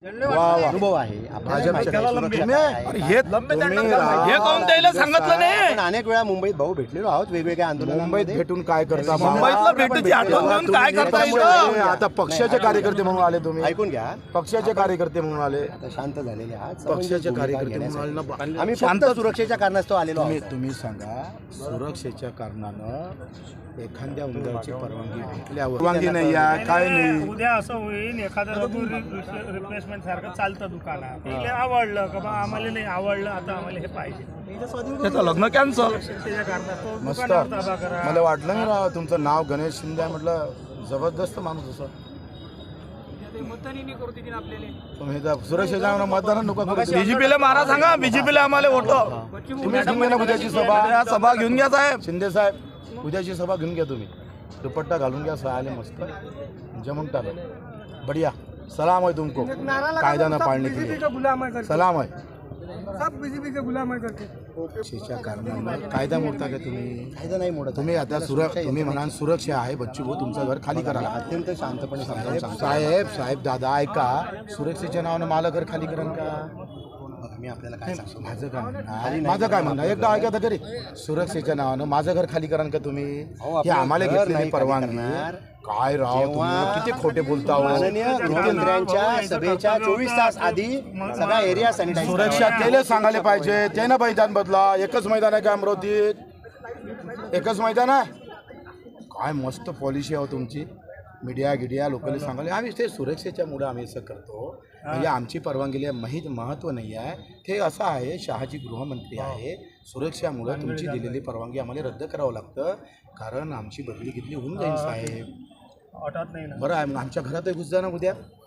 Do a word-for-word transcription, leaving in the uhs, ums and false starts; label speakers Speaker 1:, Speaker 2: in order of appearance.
Speaker 1: अनुभव आहे अनेक वेळा मुंबईत भाऊ भेटलेलो आहोत वेगवेगळ्या आंदोलनात
Speaker 2: मुंबईत भेटून काय करता
Speaker 3: मुंबईतला भेटीची आठवण घेऊन काय करता इथं?
Speaker 2: आता पक्षाचे कार्यकर्ते म्हणून आले तुम्ही
Speaker 1: ऐकून घ्या
Speaker 2: पक्षाचे कार्यकर्ते म्हणून आले
Speaker 1: आता शांत झालेले आहात
Speaker 2: पक्षाचे कार्यकर्ते म्हणून आले ना
Speaker 1: आम्ही फक्त सुरक्षेच्या कारणास्तव आलेलो
Speaker 2: तुम्ही
Speaker 1: आहोत
Speaker 2: तुम्ही सांगा सुरक्षेच्या कारणानं एखाद्या उमेदवाराची परवानगी भेटल्यावर परवानगी नाही आहे काय नाही
Speaker 4: उद्या असं होईल एखादं रघु रिप्लेसमेंट सारखं चालतं दुकानात इले आवडलं का बा आम्हाला नाही आवडलं आता आम्हाला हे पाहिजे
Speaker 3: त्याचं लग्न कॅन्सल.
Speaker 4: त्याच्या कारणास्तव
Speaker 2: मस्त
Speaker 4: दुकानावर ताबा करा.
Speaker 2: मला वाटलं नाही राव तुमचं नाव गणेश शिंदे आहे म्हटलं जबरदस्त माणूस असं तुम्ही जर सुरक्षेच्या मतदान नको करू.
Speaker 3: बीजेपीला मारा सांगा, बीजेपीला आम्हाला वोट.
Speaker 2: तुम्ही घेऊन घ्या ना उद्याची सभा
Speaker 3: सभा घेऊन घ्या साहेब.
Speaker 2: शिंदे साहेब उद्याची सभा घेऊन घ्या तुम्ही दुपट्टा घालून घ्या आले मस्त जमून टाका बढिया सलाम है तुमको कायदा न पाळणे के लिए सलाम है
Speaker 4: सब बीजेपी के गुलाम करते
Speaker 2: सुरक्षेच्या कारणानं कायदा मोडता का तुम्ही
Speaker 1: कायदा नाही मोडत
Speaker 2: तुम्ही आता सुरक्षा तुम्ही म्हणाल सुरक्षा आहे बच्चू भाऊ तुमचं घर खाली करा
Speaker 1: अत्यंत शांतपणे समजावून सांगतो.
Speaker 2: साहेब साहेब दादा ऐका सुरक्षेच्या नावानं मला घर खाली करा का
Speaker 1: बघा, मी आपल्याला काय सांगतो
Speaker 2: माझं काय म्हणणं माझं काय म्हणणं एकदा ऐका तरी सुरक्षेच्या नावानं माझं घर खाली करा का तुम्ही
Speaker 1: अहो,
Speaker 2: हे
Speaker 1: आपलं
Speaker 2: आम्हाला
Speaker 1: घर
Speaker 2: घेतलेली
Speaker 1: नाही
Speaker 2: परवानगी
Speaker 1: खाली करणार.
Speaker 2: काय राव
Speaker 1: जेव्हा
Speaker 2: तुम्ही किती खोटे बोलता हो.
Speaker 1: माननीय गृहमंत्र्यांच्या सभेच्या चोवीस तास आधी सगळा एरिया सॅनिटाईज
Speaker 2: सुरक्षा त्याला सांगायला पाहिजे त्यानं मैदान बदला एकच मैदान आहे का अमरावतीत एकच मैदान आहे काय मस्त पॉलिसी आहे तुमची मीडिया गिडिया लोकांनी सांगाले आम्ही ते सुरक्षेच्या मुळे आम्ही असं करतो म्हणजे आमची परवानगीला माहीत महत्त्व नाही आहे ते असं आहे शहाजी गृहमंत्री आहे सुरक्षामुळे तुमची दिलेली परवानगी आम्हाला रद्द करावं लागतं कारण आमची बदली घेतली होऊन जाईल साहेब
Speaker 4: वाटत नाही ना
Speaker 2: बरं आहे मग आमच्या घरातही घुस जा ना उद्या